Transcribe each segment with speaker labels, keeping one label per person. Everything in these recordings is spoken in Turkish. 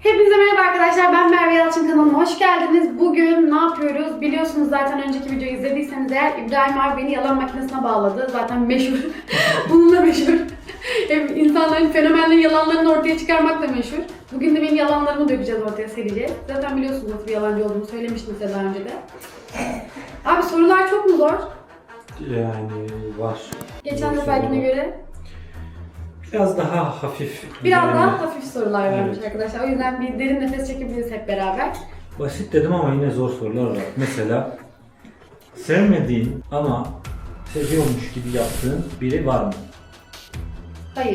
Speaker 1: Hepinize merhaba arkadaşlar, ben Merve Yalçın, kanalıma hoş geldiniz. Bugün ne yapıyoruz? Biliyorsunuz zaten önceki videoyu izlediyseniz eğer İbrahim abi beni yalan makinesine bağladı. Zaten meşhur, bununla meşhur. İnsanların fenomenlerin yalanlarını ortaya çıkarmakla meşhur. Bugün de benim yalanlarımı dökeceğiz ortaya, sereceğiz. Zaten biliyorsunuz nasıl bir yalancı olduğumu, söylemiştim size daha önce de. Abi sorular çok mu zor?
Speaker 2: Yani var.
Speaker 1: Geçen seferkine göre
Speaker 2: Biraz daha hafif.
Speaker 1: biraz
Speaker 2: yani
Speaker 1: daha hafif sorular vermiş
Speaker 2: Evet.
Speaker 1: arkadaşlar. O yüzden bir derin nefes çekebiliriz hep beraber.
Speaker 2: Basit dedim ama yine zor sorular var. Mesela sevmediğin ama seviyormuş gibi yaptığın biri var mı?
Speaker 1: Hayır.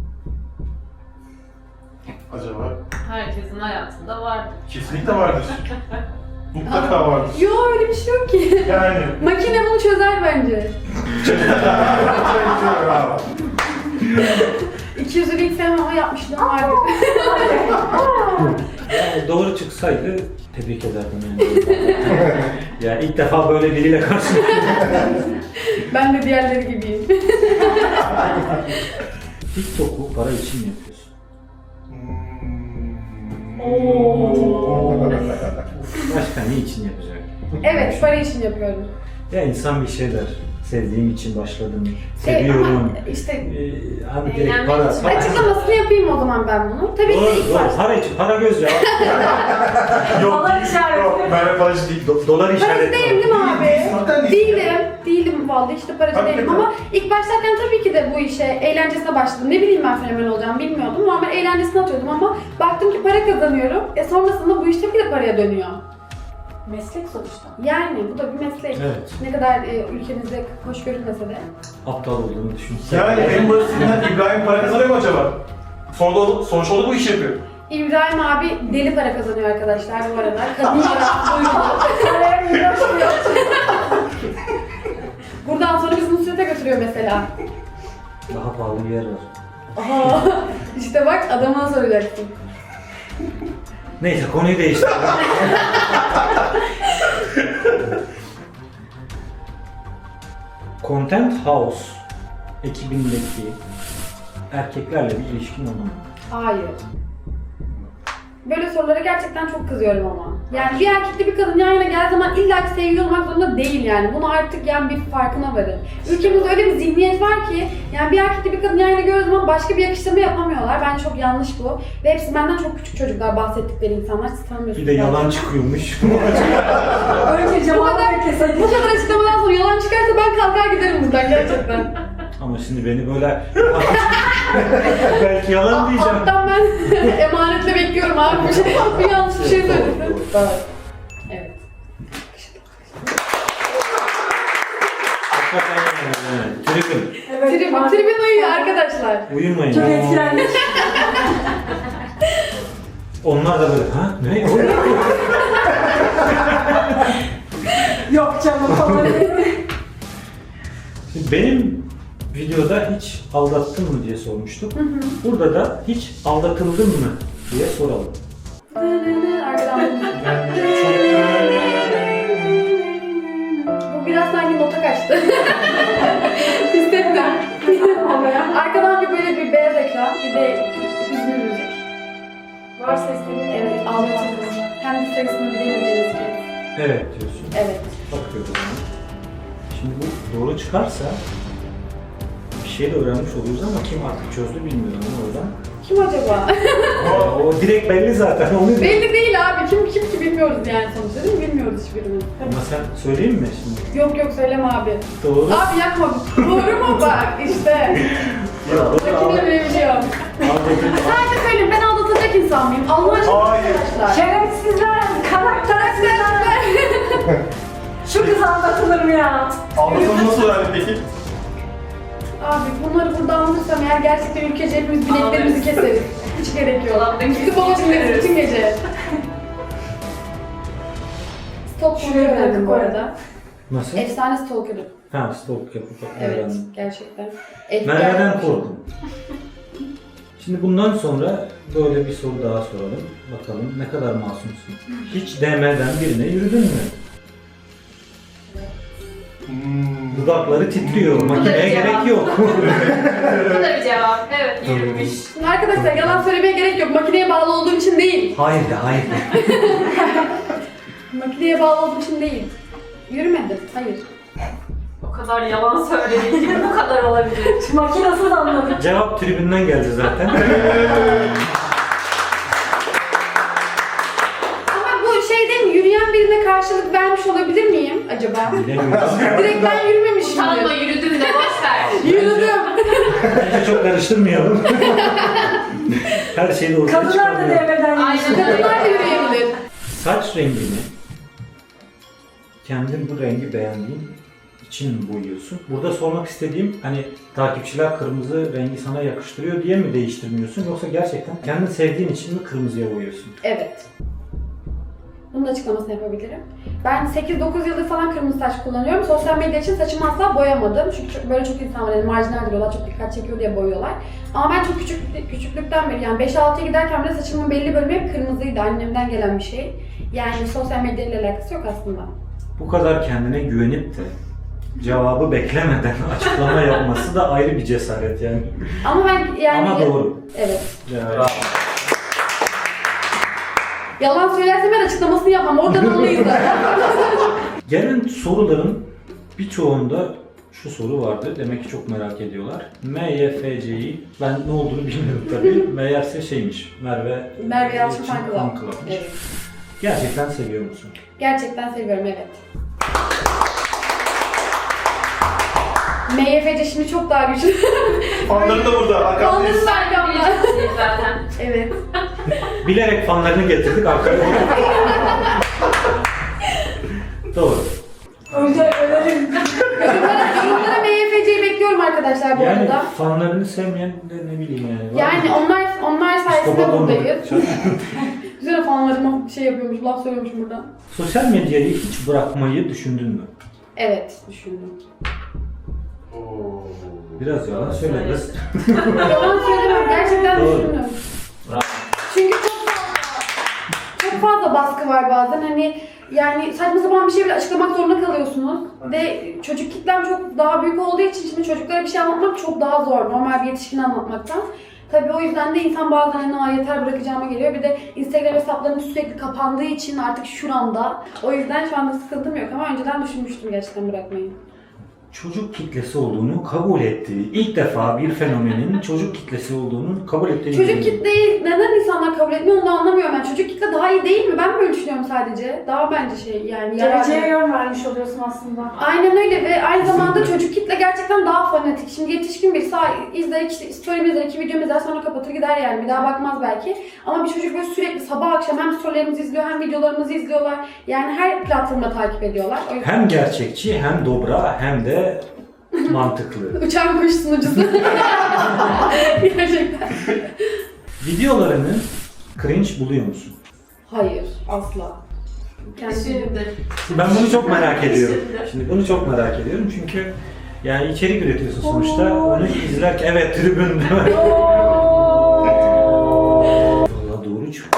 Speaker 3: Acaba?
Speaker 4: Herkesin hayatında vardır.
Speaker 3: Kesinlikle vardır. Mutlaka vardır.
Speaker 1: Yo, öyle bir şey yok ki.
Speaker 3: Yani.
Speaker 1: Makine bunu çözer bence.
Speaker 3: Bravo.
Speaker 1: 200'ü ilk sevmem ama yapmışlığım vardı.
Speaker 2: Yani doğru çıksaydı tebrik ederdim yani. Yani ilk defa böyle biriyle karşılaştım.
Speaker 1: Ben de diğerleri gibiyim.
Speaker 2: TikTok'u para için mi yapıyorsun? Başka ne için yapacak?
Speaker 1: Evet, para için yapıyorum.
Speaker 2: Ya insan bir şeyler sevdiğim için başladım. Seviyorum.
Speaker 1: Ama işte
Speaker 2: Hani direkt
Speaker 4: Eğlenmek
Speaker 2: para.
Speaker 4: için.
Speaker 2: para.
Speaker 1: açıklamasını yapayım o zaman ben bunu. Tabii ki de ilk
Speaker 2: Doğru,
Speaker 1: başta.
Speaker 2: para için, para göz ya.
Speaker 3: Yok,
Speaker 4: Falan işareti.
Speaker 3: yok. Merve paracı değil.
Speaker 2: Dolar
Speaker 1: Paracı
Speaker 2: işareti.
Speaker 1: değilim değil mi abi?
Speaker 3: Zaten değil.
Speaker 1: Değilim vallahi, işte paracı
Speaker 3: Tabii
Speaker 1: değilim
Speaker 3: ki.
Speaker 1: ama ilk başlarken tabii ki de bu işe eğlencesine başladım. Ne bileyim ben fenomen olacağımı bilmiyordum. Normal eğlencesine atıyordum ama baktım ki para kazanıyorum. Sonrasında bu iş tabii ki de paraya dönüyor.
Speaker 4: Meslek sonuçta.
Speaker 1: Yani bu da bir meslek.
Speaker 2: Evet.
Speaker 1: Ne kadar ülkemizde hoş görünmese de.
Speaker 2: Aptal olduğunu düşünsen.
Speaker 3: Yani en basitinden İbrahim para kazanıyor mu acaba? Sonuç oldu bu işi yapıyor.
Speaker 1: İbrahim abi deli para kazanıyor arkadaşlar bu aralar. Kadın yarası duyuyor. Buradan sonra bizi Nusret'e götürüyor mesela.
Speaker 2: Daha pahalı bir yer var.
Speaker 1: Aha, işte bak adama soracaksın.
Speaker 2: Neyse konuyu değiştirelim. Content House ekibindeki erkeklerle bir ilişkin oldu mu?
Speaker 1: Hayır. Böyle sorulara gerçekten çok kızıyorum ama. Yani bir erkekle bir kadın yan yana geldiği zaman illa ki sevgili olmak zorunda değil yani. Bunu artık yani bir farkına varın. Ülkemizde öyle bir zihniyet var ki yani bir erkekle bir kadın yan yana gördüğü zaman başka bir yakıştırma yapamıyorlar. Bence çok yanlış bu. Ve hepsi benden çok küçük çocuklar, bahsettikleri insanlar. Siz tanımıyorsunuz.
Speaker 2: Bir de yalan çıkıyormuş.
Speaker 4: Önce cevabı keselim.
Speaker 1: Bu kadar açıklamadan sonra yalan çıkarsa ben kalkar giderim buradan gerçekten.
Speaker 2: Ama şimdi beni böyle belki yalan diyeceğim.
Speaker 1: Alttan ben emanetle bekliyorum abi. Bir yanlış bir şey
Speaker 2: Doğru,
Speaker 1: söyledim.
Speaker 2: doğru.
Speaker 1: Evet.
Speaker 2: Hakikaten yani. Tribün.
Speaker 1: Tribün uyuyor arkadaşlar.
Speaker 2: Uyumayın.
Speaker 4: Çok etkilendik.
Speaker 2: Onlar da böyle ha ne?
Speaker 4: Yok canım falan.
Speaker 2: Şimdi benim videoda hiç aldattın mı diye sormuştuk. Burada da hiç aldatıldın mı diye soralım.
Speaker 1: Arkadan bu biraz sanki nota kaçtı. Hissettim. Arkadan bir böyle bir beyaz ekran, bir de hüzünlü müzik.
Speaker 4: Var sesleri.
Speaker 1: Evet, ağlatırız. Hem de sayısını bilemeyeceğiz ki.
Speaker 2: Evet diyorsun.
Speaker 1: Evet.
Speaker 2: Bakıyoruz ona. Şimdi bu doğru çıkarsa bir şey de öğrenmiş oluyoruz ama kim artık çözdü bilmiyorum ama oradan.
Speaker 1: Kim acaba?
Speaker 2: O direkt belli zaten onu.
Speaker 1: Belli değil abi. Kim ki bilmiyoruz yani sonuçta, değil mi? Bilmiyoruz hiçbirimiz.
Speaker 2: Ama sen söyleyeyim mi şimdi?
Speaker 1: Yok söyleme abi.
Speaker 2: Doğru.
Speaker 1: Abi yapma. Doğru mu bak işte.
Speaker 2: Yok,
Speaker 1: Rakibine bilebiliyorum.
Speaker 2: aldatıldın.
Speaker 1: Sadece söyleyeyim, ben aldatacak insan mıyım? Allah aşkına
Speaker 3: Hayır.
Speaker 1: arkadaşlar.
Speaker 4: Şerefsizler, karaktersizler. Şu kız anlatılır mı ya?
Speaker 3: Anlatımı nasıl öğrendin peki?
Speaker 1: Abi bunları burada anlatırsam eğer gerçekten ülkece hepimiz bileklerimizi keseriz. Hiç gerek yok.
Speaker 4: Ulan ben
Speaker 1: Gidip baba dinleriz bütün gece. Stalker'ı öğrendim bu arada.
Speaker 2: Nasıl?
Speaker 1: Efsane stalker'ı.
Speaker 2: Ha stalk yapıp
Speaker 1: Evet,
Speaker 2: öğrendim.
Speaker 1: gerçekten.
Speaker 2: Merve'den korkun. Şimdi bundan sonra böyle bir soru daha soralım. Bakalım ne kadar masumsun. Hiç DM'den birine yürüdün mü? Dudakları titriyor. Makineye
Speaker 4: cevap.
Speaker 2: gerek yok.
Speaker 4: Bu da bir cevap. Evet, yürümüş.
Speaker 1: Arkadaşlar yalan söylemeye gerek yok. Makineye bağlı olduğum için değil.
Speaker 2: Hayır de, hayır de.
Speaker 1: Makineye bağlı olduğum için değil. Yürümedim. Hayır.
Speaker 4: O kadar yalan söylediğin gibi bu kadar olabilir. Makinasız anladık.
Speaker 2: Cevap tribünden geldi zaten.
Speaker 1: Ama bu şey değil mi? Yürüyen birine karşılık vermiş olabilir miyim acaba?
Speaker 2: Bilemiyorum.
Speaker 1: Direkt ben yürümemişim.
Speaker 4: Utanma yürüdün de boş ver.
Speaker 1: Yürüdüm.
Speaker 2: Bence çok karıştırmayalım. Her şeyi ortaya
Speaker 4: Kadınlar da
Speaker 2: çıkarmıyor.
Speaker 4: devreden
Speaker 1: Aynen.
Speaker 4: geçti.
Speaker 1: Kadınlar da yürüyebilir.
Speaker 2: Saç rengini kendin bu rengi beğendiğin için mi boyuyorsun? Burada sormak istediğim hani takipçiler kırmızı rengi sana yakıştırıyor diye mi değiştirmiyorsun yoksa gerçekten kendin sevdiğin için mi kırmızıya boyuyorsun?
Speaker 1: Evet. Bunun da açıklamasını yapabilirim. Ben 8-9 yıldır falan kırmızı saç kullanıyorum. Sosyal medya için saçımı asla boyamadım. Çünkü böyle çok insan var, yani marjinal diyorlar, çok dikkat çekiyor diye boyuyorlar. Ama ben çok küçüklükten beri, yani 5-6'ya giderken bile saçımın belli bölümü hep kırmızıydı. Annemden gelen bir şey. Yani sosyal medya ile alakası yok aslında.
Speaker 2: Bu kadar kendine güvenip de cevabı beklemeden açıklama yapması da ayrı bir cesaret yani.
Speaker 1: Ama ben yani...
Speaker 2: Ama doğru.
Speaker 1: Evet.
Speaker 2: Yani,
Speaker 1: Yalan söylersem ben açıklamasını yapmam. Oradan anlayız zaten.
Speaker 2: gelen soruların birçoğunda şu soru vardı. Demek ki çok merak ediyorlar. MYFC'yi ben ne olduğunu bilmiyorum tabii. Meğerse şeymiş.
Speaker 1: Merve Yalçın
Speaker 2: için
Speaker 1: Fan Club.
Speaker 2: fan club'mış.
Speaker 1: Evet.
Speaker 2: Gerçekten seviyor musun?
Speaker 1: Gerçekten seviyorum, evet. MYFC şimdi çok daha güçlü.
Speaker 3: Fanların da burada. Arkamdayız.
Speaker 1: Fanların da arkamda.
Speaker 4: zaten.
Speaker 1: Evet.
Speaker 2: Bilerek fanlarını getirdik arkaya. Doğru.
Speaker 4: Önce ölerim.
Speaker 1: Yorumlara MYFC'yi bekliyorum arkadaşlar bu
Speaker 2: Yani
Speaker 1: arada.
Speaker 2: fanlarını sevmeyen de ne bileyim yani. var
Speaker 1: Yani
Speaker 2: mı?
Speaker 1: onlar sayesinde
Speaker 2: Psikopat
Speaker 1: buradayız.
Speaker 2: olmadık.
Speaker 1: Güzel fanlarıma şey yapıyormuş, laf söylüyormuş burada.
Speaker 2: Sosyal medyayı hiç bırakmayı düşündün mü?
Speaker 1: Evet, düşündüm.
Speaker 3: Oo.
Speaker 2: Biraz yalan söyle biraz.
Speaker 1: Yalan söylemem, gerçekten
Speaker 2: Doğru.
Speaker 1: düşündüm.
Speaker 2: Bravo.
Speaker 1: Çünkü çok fazla baskı var bazen. Hani yani saçma sapan bir şey bile açıklamak zorunda kalıyorsunuz. Ve çocuk kitlem çok daha büyük olduğu için şimdi çocuklara bir şey anlatmak çok daha zor. Normal bir yetişkin anlatmaktan. Tabii o yüzden de insan bazen hani yeter bırakacağıma geliyor. Bir de Instagram hesaplarım sürekli kapandığı için artık şuramda. O yüzden şu anda sıkıntım yok ama önceden düşünmüştüm gerçekten bırakmayı.
Speaker 2: Çocuk kitlesi olduğunu kabul ettiği, ilk defa bir fenomenin çocuk kitlesi olduğunu kabul ettiği.
Speaker 1: Çocuk kitleyi neden insanlar kabul etmiyor onu da anlamıyorum ben. Çocuk kitle daha iyi değil mi? Ben böyle düşünüyorum sadece. Daha bence şey yani
Speaker 4: Geleceğe
Speaker 1: yararlı.
Speaker 4: yön vermiş oluyorsun aslında.
Speaker 1: Aynen öyle ve aynı zamanda çocuk kitle gerçekten daha fanatik. Şimdi yetişkin birisi izler, işte story'mi izler, 2 videomu izler sonra kapatır gider yani. Bir daha bakmaz belki. Ama bir çocuk böyle sürekli sabah akşam hem story'lerimizi izliyor hem videolarımızı izliyorlar. Yani her platformda takip ediyorlar. O yüzden...
Speaker 2: Hem gerçekçi hem dobra hem de mantıklı.
Speaker 1: Uçan kuş sunucusu. Gerçekten.
Speaker 2: Videolarını cringe buluyor musun?
Speaker 1: Hayır, asla.
Speaker 4: Şimdi.
Speaker 2: Ben bunu çok merak ediyorum. Şimdi bunu çok merak ediyorum çünkü yani içerik üretiyorsun sonuçta. Onu izlerken evet tribün. Valla doğru çıktı.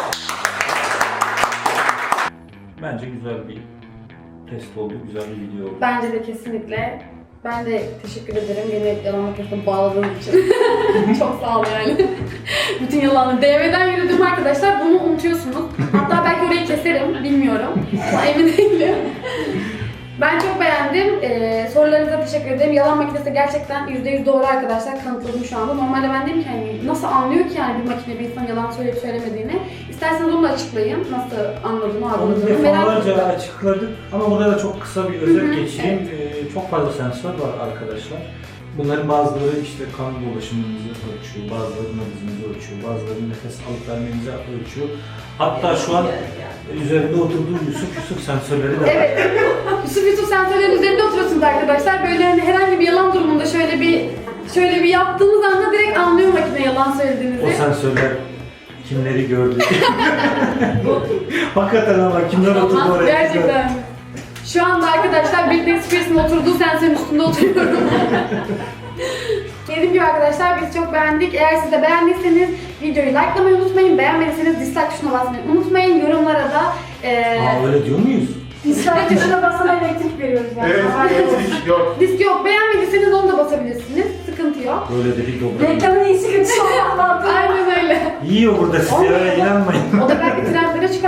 Speaker 2: Bence güzel bir test oldu, güzel bir video oldu.
Speaker 1: Bence de kesinlikle. Ben de teşekkür ederim beni yalan makinesine bağladığınız için. Çok sağ ol yani. Bütün yalanı. DM'den yürüdüm arkadaşlar. Bunu unutuyorsunuz. Hatta belki orayı keserim. Bilmiyorum. Ama emin değilim. Ben çok beğendim. Sorularınıza teşekkür ederim. Yalan makinesi gerçekten %100 doğru arkadaşlar. Kanıtladım şu anda. Normalde ben dedim ki hani nasıl anlıyor ki yani bir makine bir insan yalan söyleyip söylemediğini. İsterseniz onu da açıklayın. Nasıl anladığını,
Speaker 2: Onu
Speaker 1: algıladığını merak
Speaker 2: defalarca
Speaker 1: ediyorum.
Speaker 2: açıkladık ama burada da çok kısa bir özet geçeyim. Çok fazla sensör var arkadaşlar. Bunların bazıları işte kan dolaşımınızı ölçüyor, bazıları nabzınızı ölçüyor, bazıları nefes alıp vermenizi ölçüyor. Hatta şu an üzerinde oturduğu Yusuf sensörleri de var.
Speaker 1: Evet. Yusuf sensörlerin üzerinde oturuyorsunuz arkadaşlar. Böyle hani herhangi bir yalan durumunda şöyle bir yaptığınız anda direkt anlıyor makine yalan söylediğinizi.
Speaker 2: O sensörler kimleri gördü? Hakikaten ama kimler oturdu oraya?
Speaker 1: Gerçekten. Şu anda arkadaşlar Britney Spears'ın oturduğu sensörün üstünde oturuyorum. Dediğim gibi arkadaşlar biz çok beğendik. Eğer siz de beğendiyseniz videoyu likelamayı unutmayın. Beğenmediyseniz dislike tuşuna basmayı unutmayın. Yorumlara da
Speaker 2: Öyle diyor muyuz?
Speaker 4: Dislike tuşuna basana elektrik veriyoruz yani.
Speaker 3: Evet, elektrik yok.
Speaker 1: disk yok. Beğenmediyseniz onu da basabilirsiniz. Sıkıntı yok.
Speaker 2: Böyle dedik dobra.
Speaker 4: Reklamın iyisi kötüsü olmak mantığı.
Speaker 1: Aynen öyle.
Speaker 2: Yiyor burada sizi öyle inanmayın.
Speaker 1: O da belki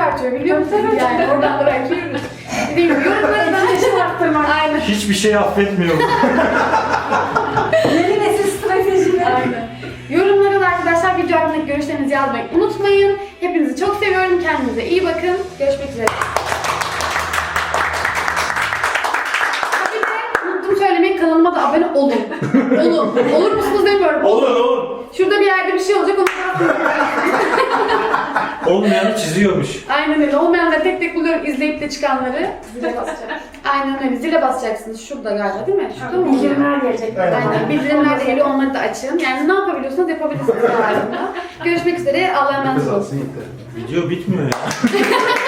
Speaker 1: artıyor biliyor musunuz yani? Oradan oraya giriyoruz. Dediğim gibi yorumlara da
Speaker 4: Etkileşim arttırmak.
Speaker 1: Aynen.
Speaker 2: Hiçbir şey affetmiyorum.
Speaker 4: Yeni nesil stratejileri.
Speaker 1: Aynen. Yorumlara da arkadaşlar video hakkındaki görüşlerinizi yazmayı unutmayın. Hepinizi çok seviyorum. Kendinize iyi bakın. Görüşmek üzere. Bir de unuttum söylemeyi, kanalıma da abone olun. Olun. Olur musunuz demiyorum.
Speaker 3: Olur.
Speaker 1: Şurada bir yerde bir şey olacak, onu
Speaker 2: Olmayanı çiziyormuş.
Speaker 1: aynen öyle. Olmayanları tek tek buluyorum, izleyip de çıkanları. Zile basacağım. Aynen öyle. Zile basacaksınız. Şurada galiba değil mi? Şurada mı oluyor?
Speaker 4: Bildirimler gelecek.
Speaker 1: Aynen. Bildirimler de geliyor. Onları da açın. Yani ne yapabiliyorsanız yapabilirsiniz hayatında. Görüşmek üzere. Allah'a emanet olun.
Speaker 2: Video bitmiyor ya.